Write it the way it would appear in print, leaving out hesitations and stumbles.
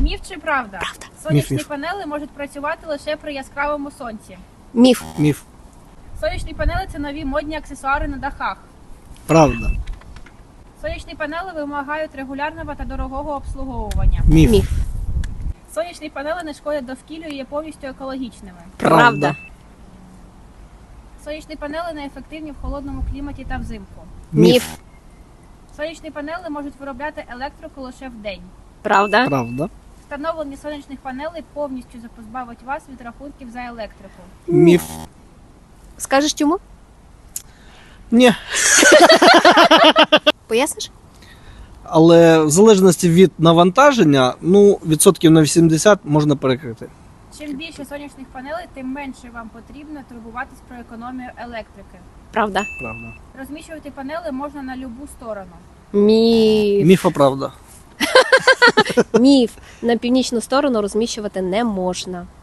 Міф чи правда? Правда. Сонячні Міф. панели можуть працювати лише при яскравому сонці. Міф. Міф. Сонячні панели – це нові модні аксесуари на дахах. Правда. Сонячні панели вимагають регулярного та дорогого обслуговування. Міф. Міф. Сонячні панели не шкодять довкіллю і є повністю екологічними. Правда. Сонячні панели неефективні в холодному кліматі та взимку. Міф. Сонячні панели можуть виробляти електрику лише вдень. Правда. Правда. Встановлення сонячних панелей повністю позбавить вас від рахунків за електрику. Міф. Скажеш чому? Ні. Поясниш? Але в залежності від навантаження, відсотків на 80 можна перекрити. Чим більше сонячних панелей, тим менше вам потрібно турбуватись про економію електрики. Правда. Правда. Розміщувати панели можна на любу сторону. Міф. Міфа правда. Міф. На північну сторону розміщувати не можна.